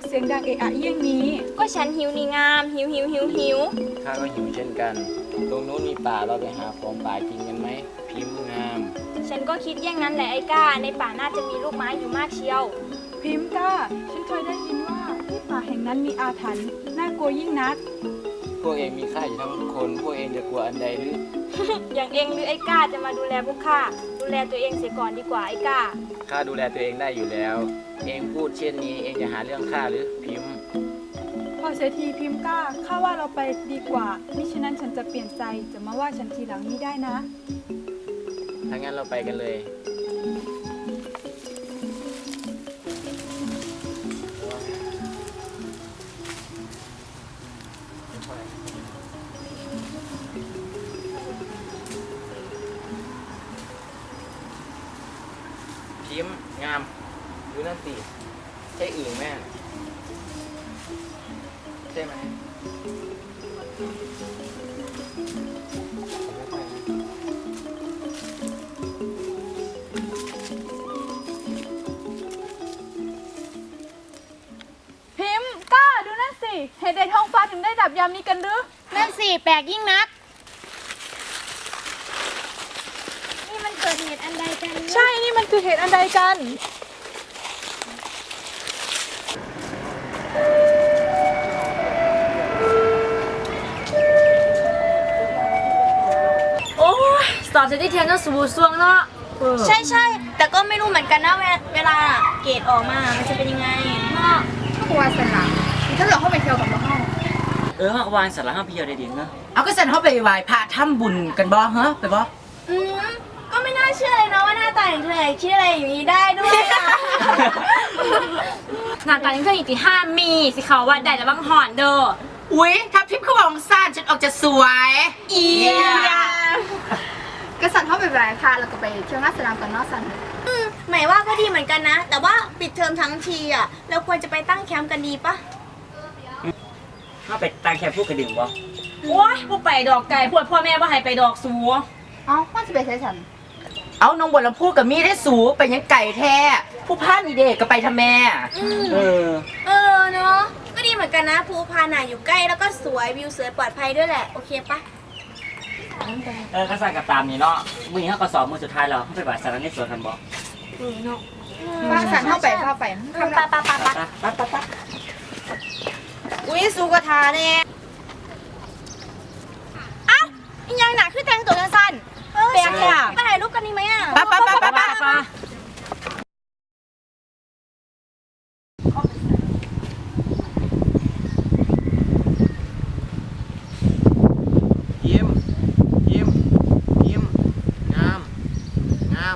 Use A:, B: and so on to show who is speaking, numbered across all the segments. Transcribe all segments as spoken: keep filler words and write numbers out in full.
A: เสียงดังเอะอะเยี่ยงนี้
B: ก็ฉันหิวนี่งามหิวหิวหิวหิว
C: ข้าก็หิวเช่นกัน ตรงนู้นมีป่าเราไปหาของป่ากินกันไหมพิมพ์งาม
B: ฉันก็คิดอย่างนั้นแหละไอ้ก้าในป่าน่าจะมีลูกไม้อยู่มากเชียว
A: พิมพ์ก้าฉันเคยได้ยินว่าที่ป่าแห่งนั้นมีอาถรรพ์น่ากลัวยิ่งนัก
C: พวกเองมีข้าอยู่ทั้งคนพวกเองจะกลัวอันใดหรือ
B: อย่างเองหรือไอ้ก้าจะมาดูแลพวกข้าดูแลตัวเองเสียก่อนดีกว่าไอ้ก้า
C: ข้าดูแลตัวเองได้อยู่แล้ว เองพูดเช่นนี้เองจะหาเรื่องข้าหรือพิมพ์
A: พอเสียทีพิมพ์ก้าข้าว่าเราไปดีกว่ามิฉะนั้นฉันจะเปลี่ยนใจจะมาว่าฉันทีหลังนี้ได้นะ
C: ถ้างั้นเราไปกันเลย พิมพ์งามดูนั่นสิใช่อื่นแม่ใช่ไหม
A: พิมพ์ก้าดูนั่นสิเหตุใดท้องฟ้าถึงได้ดับยามนี้กันหรือ
B: นั่นสิแปลกยิ่งนักนี่มันเกิดเหตุอันใดกันเนี่ย
A: ใช่นี่มันคือเหตุอันใดกัน
D: โอ้ยสอบเสร็จที่เทียนก็สูบซวงเนาะ
B: ใช่ใช่แต่ก็ไม่รู้เหมือนกันนะเวลาเวลาเกรดออกมามันจะเป็นยังไงเนาะ
E: กลัวสนะถ้าเราเข้าไปเที่ยวกับน้อง
F: เออห้องวานสาระห้องพี่เดียวได้ดีเนอะ
E: เอาก็สันเข้าไปไหว้พระทำบุญกันบ่ฮะไปบ่
B: อืมก็ไม่น่าเชื่อเลยนะว่าหน้าตาอย่างเธอชื่ออะไรอย่างนี้ได้ด้วยอะ
D: หน้าตายังเคยอีกที่ห้ามีสิเขาว่าได้แล้วบางหอนเด้อ
E: อุ๊ยทับทิพย์เขาบอกซ่านฉันออกจะสวย
D: เอีย
E: ก็สันเข้าไปไหว้พระแล้วก็ไปเที่ยวงานสนามกันเนาะสัน
B: อืมหมายว่าก็ดีเหมือนกันนะ แต่ว่าปิดเทอมทั้งทีอ่ะเราควรจะไปตั้งแคมป์กันดีปะ
F: ห้าไปตั้งแคมป์พูดกระดิ่งบ่
D: โอ้ยพวกไปดอกไก่พวดพ่อแม่ว่าให้ไปดอกสู
E: เอ้าว่าจะไปใช้ฉันเอาน้องบนลำพูกับมีได้สูไปยังไก่แท้ผู้พานนี่เด็กก็ไปทำแม่
F: เออ
B: เออเนาะก็ดีเหมือนกันนะภูพานน่ะอยู่ใกล้แล้วก็สวยวิวสวยปลอดภัยด้วยแหละโอเคปะ
F: เออก็สั่งกับตามนี่เนาะมือนี้เขาก็สอบมือสุดท้ายแล้วเขาไปบ่ายสารในสวนกันบ่
E: ว่าสันเข้าไปเข้าไป
B: ปะปะปะปะ
F: ไปไปไปไป
B: อุ้ยสูกระทาเนี่ยอ้าวยังหนักขึ้นแต่งตัวสั้นๆแปลกอะไปถ่ายรูปกันดีไหมอ่ะ
E: ปะปะปะปะปะ
C: ยิ้มยิ้มยิ้มงามงาม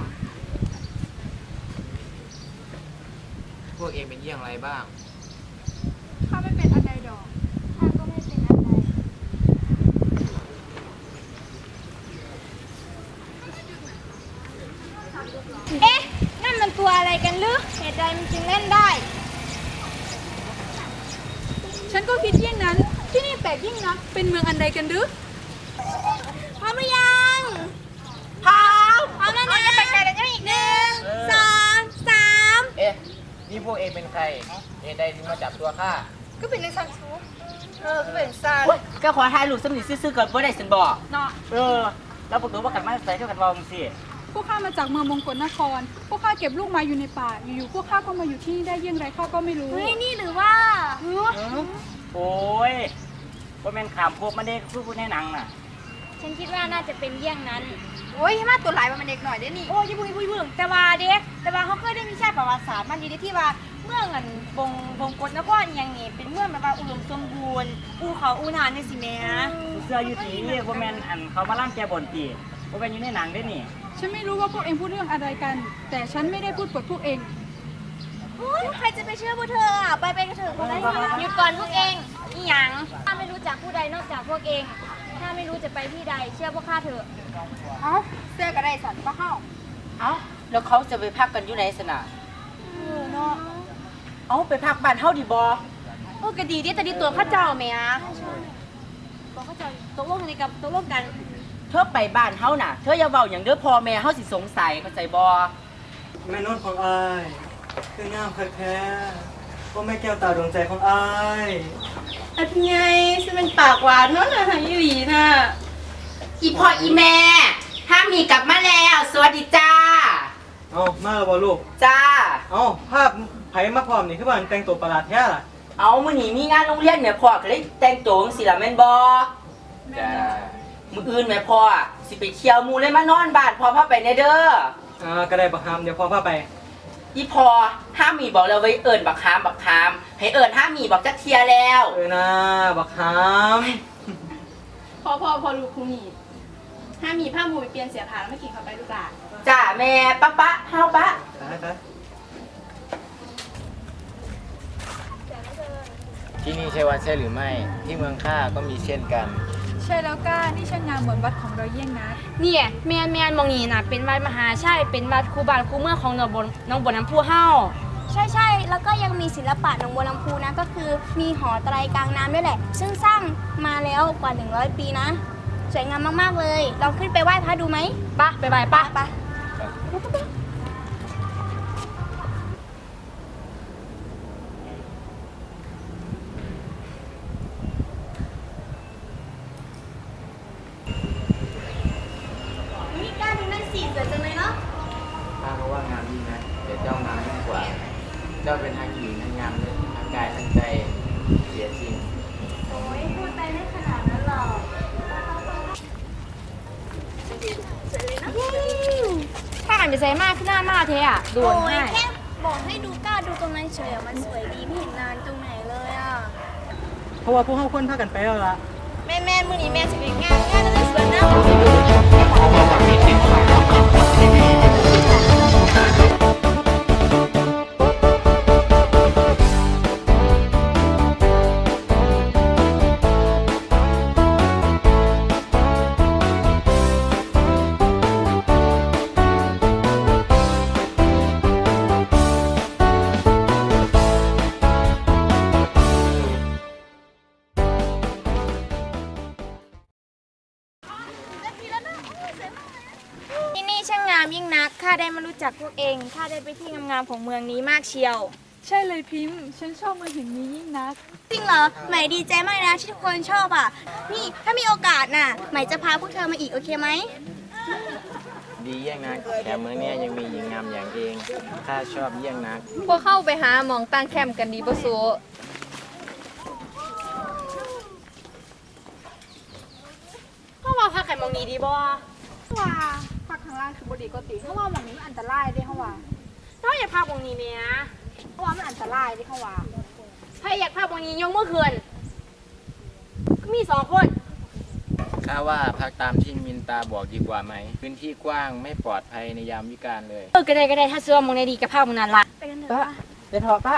C: พวกเองเป็นเยี่ยงไรบ้าง
A: ข้าไม่เป็นอันใดดอก
B: ข้าก็ไม่เป็นอะไรเอ๊ะนั่นมันตัวอะไรกันหรือเหตุใดมันจึงเล่นได้
A: ฉันก็คิดเยี่ยงนั้นที่นี่แปลกยิ่งนักเป็นเมืองอันใดกันหรือ
B: พร้อมหรือยังพร้อมพร้อมแล้วนะไปไกลแล้วอีกหนึ่งสองสาม
C: เอ๊ะ นี่พวกเองเป็นใครเองใดถึงมาจับตัวข้า
E: ก็เป็นในสันชูเออก็เป็นสันก็ขอถ่ายรูปสำนีซื่อๆก่อนบ่ได้สันบอก
A: เนาะ
F: เออแล้วประตูว่ากันมาใส่เท่ากันว่ามึงสิ
A: พวกข้ามาจากเมืองมงกลนคร พวกข้าเก็บลูกไม้อยู่ในป่า อยู่ๆพวกข้าก็มาอยู่ที่นี่ได้เยี่ยงไรข้าก็ไม่รู้
B: เฮ้ยนี่หรือว่า
F: โอ้ยว่าแม่นขามพวกมันได้คือพูดในหนังน่ะ
B: ฉันคิดว่าน่าจะเป็นเยี่ยงนั้น
E: โอ้ยมาตัวหลายมันเด็กหน่อยได้นี่
B: โอ้ยบุยบุยบุยแต่ว่าเด็กแต่ว่าเขาเคยได้มีชาติประวัติศาสตร์มันดีที่ว่าเมืองอันบงบงกฎนครอย่างนี้เป็นเมืองแบบว่าอุดมสมบูรณ์อูเขาอูนานนี่สิแม่
F: เสื้ออยู่ตีว่าแม่นอันเขามาล่างแกบนตีว่าแม่นอยู่ในหนังได้นี่
A: ฉันไม่รู้ว่าพวกเองพูดเรื่องอะไรกัน แต่ฉันไม่ได้พูดปดพวกเอง
B: โอ้ยใครจะไปเชื่อพวกเธออ่ะไปไปกันเถอะคนละหยุดก่อนพวกเองอีหยังถ้าไม่รู้จักผู้ใดนอกจากพวกเอง ถ้าไม่รู้จะไปที่ใดเชื่อพวกข้าเถอะ
E: เอ้าเสื้อก็ได้สันก็เข้าเอ้าแล้วเขาจะไปพักกันอยู่ไหนสนะ
B: เออเนาะ
E: เอ้าไปพักบ้านเฮาดีบ่
D: โอ้ก็ดีดิแต่ดีตัวข้าเจ้าแม่
B: บอกเขาจะตกลงในกับตกลงกัน
E: เธอไปบ้านเฮาน่ะ เธออย่าเว้าอย่างเด้อพ่อแม่เฮาสิสงสัยเข้าใจบ่
F: แม่นุ่นของอ้ายคืองามคักแท้
G: ก็แม่แก้วตาดวงใจของอาย
E: อันไงฉันเป็นปากหวานเนาะนะอีหลีน่ะอีพ่ออีแม่ห้ามมีกลับมาแล้ว สวัสดีจ้า
G: เอามาแล้วบ่ลูก
E: จ้า
G: เอาภาพไผมาพร้อมนี่คือว่าแต่งตัวประหลาดแท้ล่ะ
E: เอามื้อนี้มีงานโรงเรียนแม่พ่อก็เลยแต่งตัวจังซี่ล่ะแม่นบ่
C: จ้า
E: มื้ออื่นแม่พ่อสิไปเที่ยวหมู่เลยมานอนบ้านพ่อพาไปแน่เด้อ
G: อ่าก็ได้บักฮามเดี๋ยวพ่อพาไป
E: อีพ่อห้ามมีบอกแล้วไว้เอิ้นบักคามบักคามให้เอิ้นห้ามมีบอกจักเที่ยแล้ว
G: เออนะบักฮาม
A: พอพอพอลูกครูนี่ห้ามมีผ้ามูไปเปลี่ยนเสียผ้าแล้วไม่กินเข้าไปลูกหลาน
E: จ้าแม่ปะปะเฮาปะ
G: ไปไป
C: ที่นี่ใช่วัดใช่หรือไม่ ที่เมืองข้าก็มีเช่นกัน
A: ใช่แล้วก้านี่ช่างงามเหมือนวัดของเราเยี่ยงนัก
D: เนี่ยแมนแมนมองนี่นะเป็นวัดมหาชัยเป็นวัดคูบานคูเมืองของหนองบนหน้องบนน้ำพุเฮา
B: ใช่ใช่แล้วก็ยังมีศิลปะหนองบัวลำพูนะก็คือมีหอไตรกลางน้ำด้วยแหละ ซึ่งสร้างมาแล้วกว่าหนึ่งร้อยปีนะ สวยงามมากๆเลยลองขึ้นไปไหว้พระดูไหม
D: ปะไปไปปะ
B: ไปนี่กล้าดูนั่นสิสวยจังเลยเนาะ
C: ข้าก็ว่างามดีนะแต่เจ้างามยิ่งกว่า เจ้าเป็นทั้งหญิงทั้งงามเลยทั้งกายทั้งใจเสียจริง
B: โอ้ยพูดไปไม่ขนาดนั้นหรอกสวยเลยนะ
D: ถ้าอ่านไปใส่มากขึ้นหน้ามากเทอะโดน
B: โอ้ย
D: ให้
B: แค่บอกให้ดูกล้าดูตรงนั้นเฉยอะมันสวยดีไม่เห็นนานตรงไหนเลยอ่ะ
G: เพราะว่าพวกเฮาควรพากันไปแล้วล่ะ
B: แม่แม่มือนี้แม่สิเป็นงานงานอะไรสวยนะ ที่นี่ช่างงามยิ่งนัก ข้าได้มารู้จักพวกเอง ข้าได้ไปที่งามๆของเมืองนี้มากเชียว
A: ใช่เลยพิมพ์ ฉันชอบเมืองแห่งนี้ยิ่งนัก
B: จริงเหรอ ใหม่ดีใจมากนะที่ทุกคนชอบอ่ะ นี่ถ้ามีโอกาสน่ะ ใหม่จะพาพวกเธอมาอีกโอเคไหม
C: ดีเยี่ยงนักแถมเมืองเนี้ยยังมีหญิงงามอย่างเองข้าชอบเยี่ยงนัก
A: พวกเข้าไปหาหมองตั้งแคมป์กันดีบ่สู
D: เข้ามาพักกันมองนี้ดีบ่
A: ว่าพักข้างล่างคือบดีก็ติเพราะว่าหมองนี้มันอันตรายเด้เขาว่า
D: เราอยากพักมองนี้เนี่ย
A: เพราะว่ามันอันตรายเด้เขาว่า
D: ถ้าอยากพักมองนี้ยกมือขึ้นก็มีสองคน
C: ข้าว่าพักตามที่มินตาบอกดีกว่าไหม พื้นที่กว้างไม่ปลอดภัยในยามวิกาลเลย
D: เออก็ได้ก็ได้ถ้าเสื้อมองในดีกับพักมองนั้นละ
B: ไปกันเถอะ
E: ปะ
B: ปะ
E: ไปเถอะปะ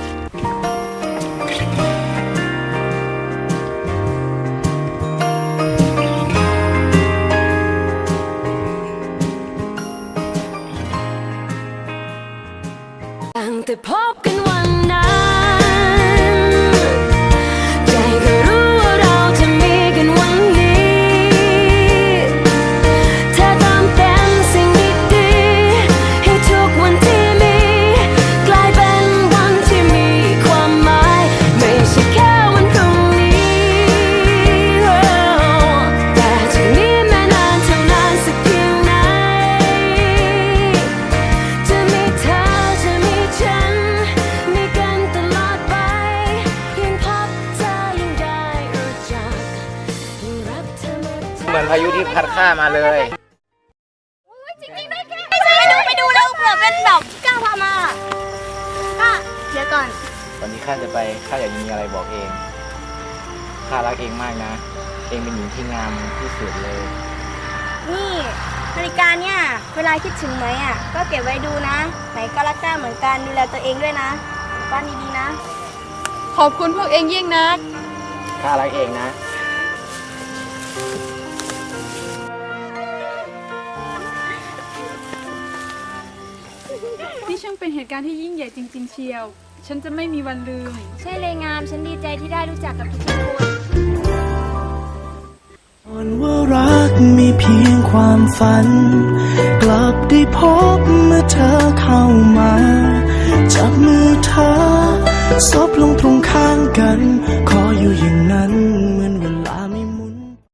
H: ตั้งแต่พบกันวันนั้นใจก็รู้ว่าเราจะมีกันวันนี้เธอทำเป็นสิ่งดีๆให้ทุกวันที่มีกลายเป็นวันที่มีความหมายไม่ใช่แค่วันพรุ่งนี้แต่จากนี้แม้นานเท่านานสักเพียงไหนจะมีเธอจะมีฉันมีกันตลอดไปยิ่งพบเธอยิ่งได้รู้จักยิ่งรักเธอหมดใจ
C: เหมือนพายุที่พัดข้ามาเลย
B: จริงๆด้วยแกไปดูไปดูแล้วเผื่อเป็นดอกที่ก้าวพามาก็เดี๋ยวก่อน
C: วันนี้ข้าจะไปข้าอยากมีอะไรบอกเอง ข้ารักเองมากนะ เองเป็นหญิงที่งามที่สุดเลย
B: นี่นาฬิกาเนี่ยเวลาคิดถึงไหมอ่ะก็เก็บไว้ดูนะ ไหนก็รักก้าเหมือนกันดูแลตัวเองด้วยนะบ้านดีๆนะ
A: ขอบคุณพวกเองยิ่งนัก
C: ข้ารักเองนะ
A: นี่ช่างเป็นเหตุการณ์ที่ยิ่งใหญ่จริง ๆ เชียว ฉันจะไม่มีวันลืม
B: ใช่เลยงามฉันดีใจที่ได้รู้จักกับทุกๆคน
I: อ่อนว่ารักมีเพียงความฝัน กลับได้พบเมื่อเธอเข้ามา จับมือเธอนั้น